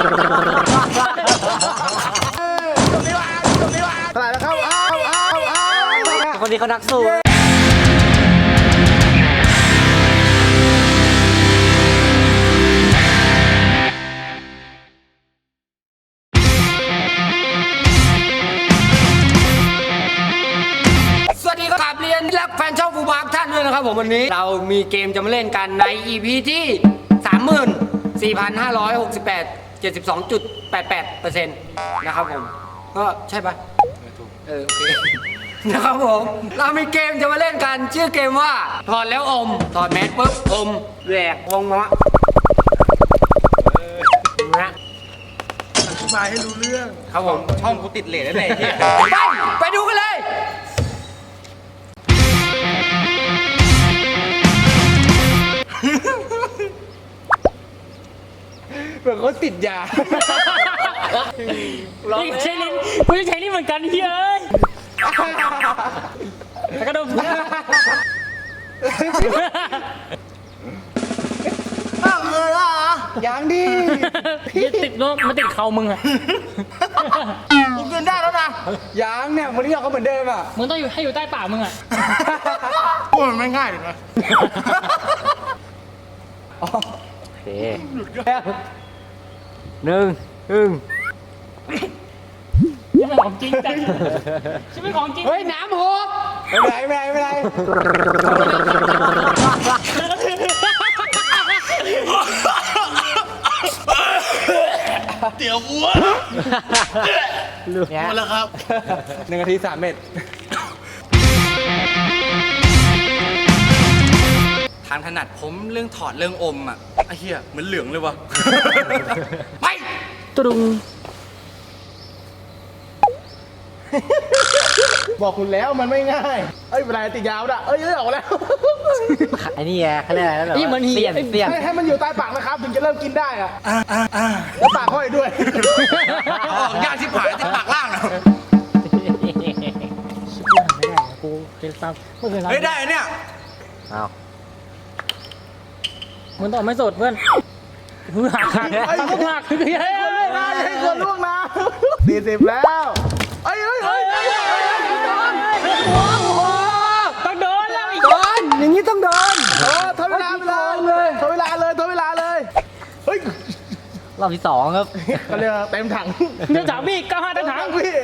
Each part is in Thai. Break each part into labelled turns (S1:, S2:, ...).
S1: อะไรแล้วครับ
S2: คนนี้เขานักสู้สวัสดีครับเรียนและแฟนช่องฟูบาร์ท่านด้วยนะครับผมวันนี้เรามีเกมจะมาเล่นกันใน EP ที่ 34,568 72.88% นะครับผมก็ใช่ปะโอเคนะครับผมเรามีเกมจะมาเล่นกันชื่อเกมว่าถอดแล้วอมถอดแมสปุ๊บอมแหวกวงเนาะนะ
S1: อธิบายให้รู้เรื่อง
S2: ครับผม
S3: ช่องกูติดเลทแล้วเนี่ย
S2: ไปดูกันเลย
S1: เหมือนเขาติดยา
S4: นี่ใช้ลิ้นกูจะใช้ลิ้นเหมือนกันเฮ้ยแล้วก็ดม
S1: ยังดิ
S4: ติดโน้ตมันติดเข่ามึงอะ
S1: กูกินได้แล้วนะยังเนี่ยวันนี้เราก็เหมือนเดิมอ่ะ
S4: มึงต้องให้อยู่ใต้ปากมึงอะ
S1: พูดมันไม่ง่ายเลยนะ
S2: โอเคหนึ่ง
S4: นี่เป็นของจริงจังใช่ไหมของจริง
S1: เฮ้ยน้ำหกไม่เป็นไร
S3: เตี๋ยววัว
S1: หมดแล้วครับ1 นาที 3 เม็ด
S3: ทางถนัดผมเรื่องถอดเรื่องอมอ่ะไอ้เหี้ยเหมือนเหลืองเลยวะไป
S4: ตรุง
S1: บอกคุณแล้วมันไม่ง่ายเอ้ยเวลาติดยาวน่ะเอ้ยออกแล้ว
S2: ไอ้นี่ไงเขาเรียกอะไรนะแบบเสียน
S1: ให้มันอยู่ใต้ปากนะครับถึงจะเริ่มกินได้อะแล้วปากห้อยด้วย
S3: ออกยากที่ผายที่ปากล่างนะ
S4: ไม่ได้กูเคยทำไม่เคยทำ
S3: เฮ้ยได้เนี่ย
S2: เอา
S4: มึงต้องไม่สดเพื่อนมึงหักให้
S1: คนล่วงนะ40แล้วเอ้ย
S4: ต้องโดนแล้ว
S2: โดนอย่างนี้ต้องโดน
S1: ทดเวลาเลยทดเวลาเลยเฮ้ย
S2: รอบที่2ครับ
S1: ก็เรียกเต็มถัง
S4: เดี๋ยวถังพี่95ถัง
S1: พี่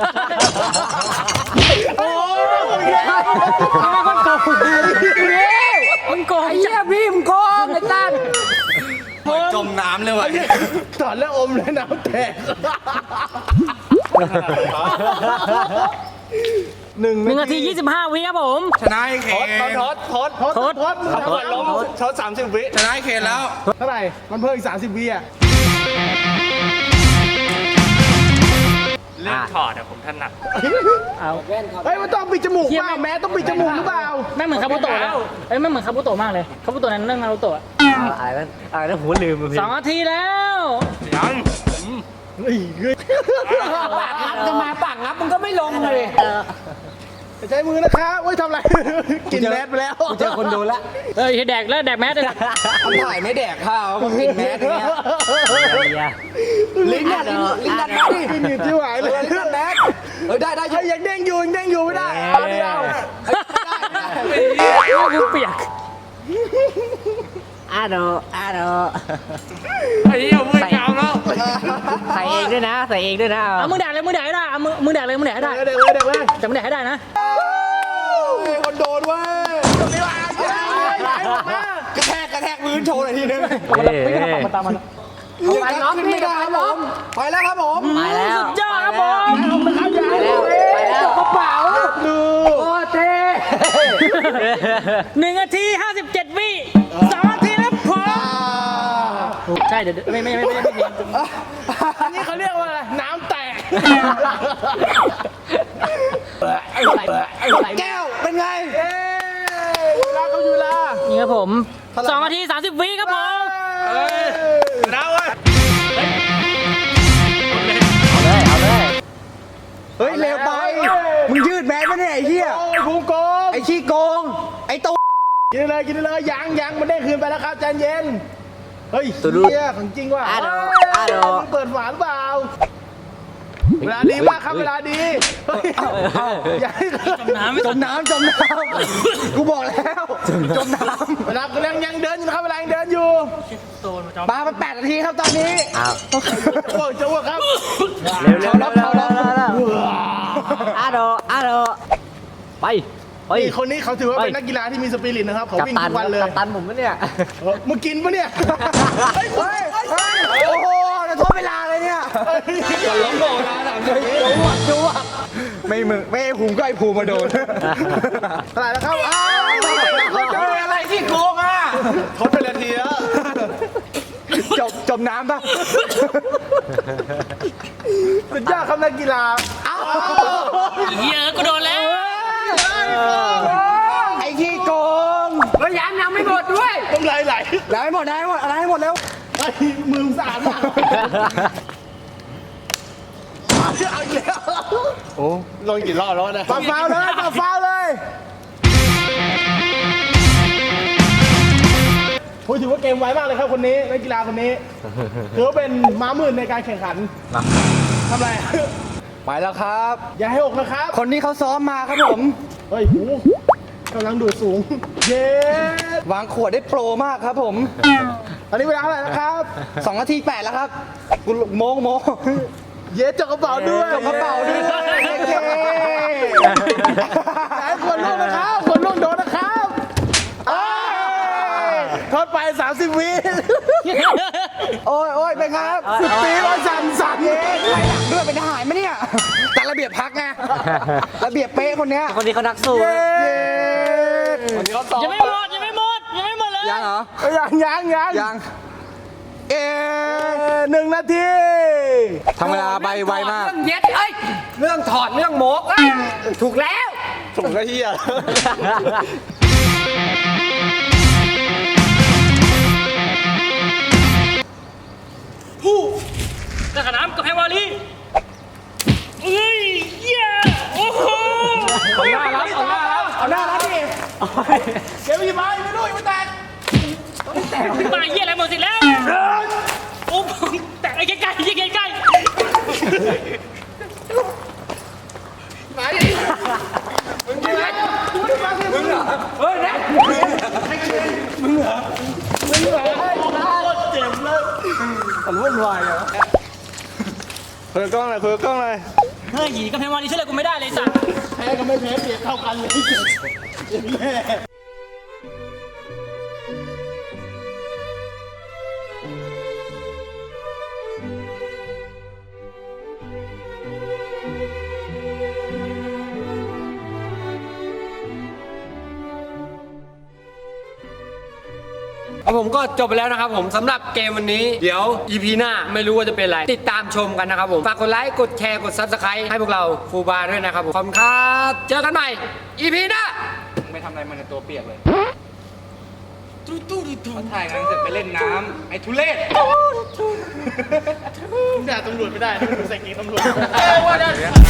S4: โอ้ยมันโกงมันโกง
S2: ไอ้เหี้ยพี่มึงโกงไอ้ตั้น
S3: จมน้ำเลยวะ
S1: ถอดแล้วอมเลยน้ำแตก
S4: 1 นาที 25 วิครับผม
S3: ชนะไอ้เคน
S1: ทดช็อต30 วิ
S3: ชนะไอ้เคนแล้ว
S1: เท่าไหร่มันเพิ่มอีก30 วิอ่ะ
S3: เรื่องถอดอะผมถนัด
S4: เอา
S1: เฮ้ยมันต้องปิดจมูกเปล่าแม้ต้องปิดจมูกหรือเปล่า
S4: แม่เหมือนคาบุโตะแล้วไม่เหมือนคาบุโตะมากเลยคาบุโตะนั้นเรื่องนารูโตะ
S2: อะไรนั่นหัวลืมพี่
S4: 2 นาทีแล้ว
S3: ยัง
S2: จะมาปากงับมึงก็ไม่ลงเลย
S1: ใช้มือนะครับเฮ้ยทำไรกินแมสไปแล้ว
S2: เจอคนดูแล้ว
S4: แดกแล้วแดกแมสเลย
S2: ถ่ายไม่แดกข้าวมึงกินแมสอย่างเงี้ย
S1: ลิ้นดันแมสดิลิ้นหนีบที่ไหวเลยลิ้นดันแมสได้ยังเด้งอยู่ไม่ได้เดียว
S4: กูเปียก
S2: อาโด
S3: ไอ้เหี้ยมือกาวแล้ว
S2: ใส่เองด้วยนะ
S4: เอามึงแดกเลยได้เอามึงแดกเลยได้
S1: เด็กเลย
S4: จะมึงแดกให้ได้นะ
S1: คนโดนเว้ยกระแทกพื้นโชว์หน่อยทีนึง
S4: ไม่กระปักมาตามมัน
S1: ไปน้องไม่ได้ครับผมไปแล้วครับผม
S4: สุดยอดครับผม
S2: ไปแล้ว
S1: กระเป๋าดู
S2: โอ้เท่
S4: 1 นาที 57 วิ2 นาทีแล้วพอใช่เดี๋ยวไม่
S1: อันนี้เขาเรียกว่าอะไรน้ำแตกแก้วเป็นไงเวลาเขาอยู่ละ
S4: นี่ครับผม2 นาที 30 วิครับผม
S3: นะเว้ย
S2: เอาเลย
S1: เฮ้ยเร็วไปมึงยืดแมสไม่ได้ไอ้เหี้ยพุงโกงไอ้ขี้โกงไอ้ตัวกินเลยยังมันได้คืนไปแล้วครับใจเย็นเฮ้ยเหี้ยของจริงว่ะ
S2: อาโด
S1: เปิ
S5: เวลาดีมากครับเวลาดีเฮ้ยอย่าให้
S4: จมน้ำไม่
S1: จมน้ำกูบอกแล้วจมน้
S5: เวลากำลังยังเดินอยู่นะครับเวลายังเดินอยู่
S4: โดนมาจอม
S1: ำปลามา8 นาทีครับตอนนี้
S5: จะอ้วกครับ
S1: เขาล็อก
S6: อาโดไปเฮ้ย
S5: นี่คนนี้เขาถือว่าเป็นนักกีฬาที่มีสปิริตนะครับเขา
S6: กัป
S5: วิ่ง
S6: ตัน
S5: ทุกวันเลย
S6: กัปตันผมปะเนี่ย
S5: มึงกินปะเนี่ย
S1: เฮ้ยโอ้โหจะโทษเวลาเลยเนี่ยล้มโดนนะจูบไม่มึงไม่ไอ้ภูมิก็ไอ้ภูมิมาโดน
S5: เท่าไหร่แล้วครับ
S1: อะไรที่โกงอ่ะ
S5: ทดไปนาทีแล้ว
S1: จมน้ำป่ะ
S5: สุดยอดครับนักกีฬา
S4: เหี้ยกูโดนแล้ว
S1: ไอ้ที่โกง
S2: เฮ้ยยังไม่หมดด้วย
S5: ต้องไหล
S1: ได้หมดอะไรให้หมดแล้ว
S5: ไอ้มือสะอาดมากเอาอีกแล้ว
S1: โอ้
S5: ลงกี่รอบแล้วนะฟาวเลยผมถือว่าเกมไวมากเลยครับคนนี้นักกีฬาคนนี้ถือว่าเป็นม้ามืดในการแข่งขันทำไร
S1: ไปแล้วครับ
S5: อย่าให้อกนะครับ
S1: คนนี้เขาซ้อมมาครับผม
S5: เฮ้ยหูกำลังดูดสูง เย้
S1: วางขวดได้โปรมากครับผม
S5: ตอนนี้เวลาเท่าไหร่นะครับ
S1: 2 นาที 8 แล้วครับกูโม
S5: เย้จกกระเป๋าด้วย
S1: จกกระเป๋าด้วยโอเค
S5: อย่าให้คนล่วงนะครับคนล่วงโดนนะครับทดไป 30 วิ
S1: โอ้ยเป็นครับ
S5: สุดตีว่าสั่น
S1: เย้ใครหลังด้วยเป็นทหารไหมเนี่ยแต่ระเบียบพักไงระเบียบเป๊ะคนเนี้ย
S6: คนนี้เขานักสู้
S1: เย้
S4: ยังไม่หมดเลย
S1: ยังเหรอ
S5: ยัง 1 นาที
S1: ทำเวลาไปไวมาก
S2: เรื่องเย็ดเรื่องถอดเรื่องโมกถูกแล้ว
S5: ส่งกระเทีย
S4: กระน้ำกับแพงวาลีเอ้ยเหี้ยโอ้โห
S1: เอาหน้ารับดิ
S5: เดี๋ยวมีไม้ไม่รู้ยังไม่แตก
S4: มาเหี้ยอะไรหมดสิแล้วโอ้แต่ไอ้ใกล้ๆยิงใกล้
S5: คุยกับกล้องหน่อย
S4: ๆเฮ้ยหยีกับแพงวาลีช่วยอะไรกูไม่ได้เลยสัตว์
S5: แพ้ก็ไม่แพ้เปรียบเท่ากันเลย
S2: ผมก็จบไปแล้วนะครับผมสำหรับเกมวันนี้เดี๋ยว EP หน้าไม่รู้ว่าจะเป็นอะไร ติดตามชมกันนะครับผมฝากกดไลค์กดแชร์กด Subscribe ให้พวกเราฟูบาร์ด้วยนะครับผมขอบคุณครับเจอกันใหม่ EP หน้า
S3: ไม่ทำอะไรมันตัวเปียกเลยมาถ่ายงานเสร็จไปเล่นน้ำไอ้ทุเรศ
S5: ด่าตำรวจไม่ได้ดูใส่กีตำรวจ